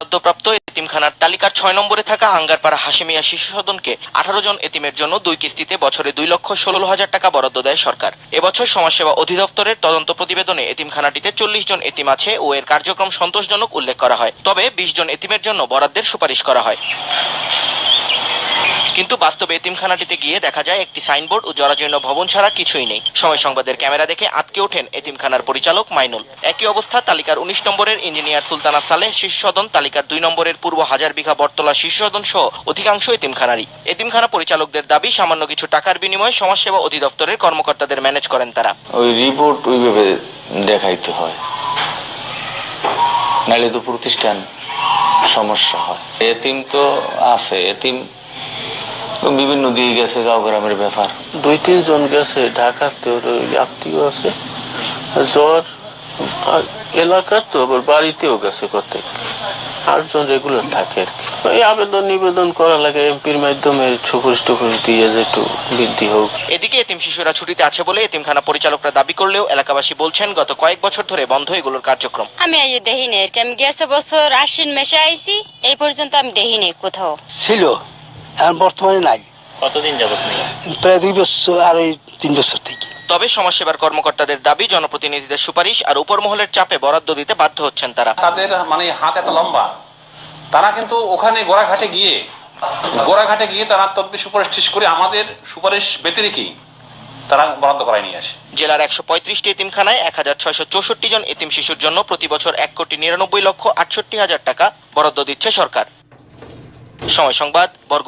বরাদ্দপ্রাপ্ত এতিমখানার তালিকার ৬ নম্বরে থাকা হাঙ্গারপাড়া হাশেমিয়া শিশু সদনকে 18 জন এতিমের জন্য 2 কিস্তিতে বছরে 2,16,000 টাকা বরাদ্দ দেয় সরকার। এবছর সমাজসেবা অধিদপ্তরের তদন্ত প্রতিবেদনে এতিমখানাটিতে 40 জন এতিম আছে ও এর কার্যক্রম সন্তোষজনক উল্লেখ করা হয়। তবে 20 জন এতিমের জন্য বরাদ্দের সুপারিশ করা হয়। কিন্তু বাস্তবে এতিমখানাটিতে গিয়ে দেখা যায় একটি সাইনবোর্ড ও জরাজীর্ণ ভবন ছাড়া কিছুই নেই। সময় সংবাদের ক্যামেরা দেখে আঁতকে ওঠেন এতিমখানার পরিচালক মাইনুল। একই অবস্থা তালিকার 19 নম্বরের ইঞ্জিনিয়ার সুলতানা সালেহ শিশু সদন, তালিকার 2 নম্বরের পূর্ব হাজার বিঘা বটতলা শিশু সদন সহ অধিকাংশ এতিমখানারই। এতিমখানা পরিচালকদের দাবি সামান্য কিছু টাকার বিনিময়ে সমাজসেবা অধিদপ্তরের কর্মকর্তাদের ম্যানেজ করেন তারা। ওই রিপোর্ট ওইভাবে দেখাইতে হয়, নাহলে তো প্রতিষ্ঠান সমস্যা হয়। এতিম তো আছে, এতিম বিভিন্ন দিকে গেছে, গাঁও গ্রামের ব্যাপার। 2-3 জন গেছে, ঢাকাতে আত্মীয় আছে, জ্বর এলাকার তো আবার বাড়িতেও গেছে প্রত্যেক 8 জন রেগুলার থাকে আর কি। এই আবেদন নিবেদন করা লাগে এমপির মাধ্যমে, সুপারিশ টুপারিশ দিয়ে যে একটু বৃদ্ধি হোক। এদিকে এতিম শিশুরা ছুটিতে আছে বলে এতিমখানা পরিচালকরা দাবি করলেও এলাকাবাসী বলছেন গত কয়েক বছর ধরে বন্ধ এগুলোর কার্যক্রম। আমি দেখি নাই, আমি গেছে বছর আশ্বিন মাসে আইছি, এই পর্যন্ত আমি দেখি নাই কোথাও। ছিল, এখন বর্তমানে নাই। কতদিন যাবত নেই? প্রায় 2 বছর আর 3 বছর থেকে। তবে সমাজসেবার কর্মকর্তাদের দাবি জনপ্রতিনিধিদের সুপারিশ আর উপর মহলের চাপে বরাদ্দ দিতে বাধ্য হচ্ছেন তারা। তাদের হাত এত লম্বা, তারা কিন্তু ওখানে গোড়াঘাটে গিয়ে তারা তদবির সুপারিশ শেষ করে আমাদের সুপারিশ ব্যতি রেখেই তারা বরাদ্দ করায় নিয়ে আসে। জেলার 135টি এতিমখানায় 1664 জন এতিম শিশুর জন্য প্রতি বছর 1,99,68,000 টাকা বরাদ্দ দিচ্ছে সরকার। সময় সংবাদ।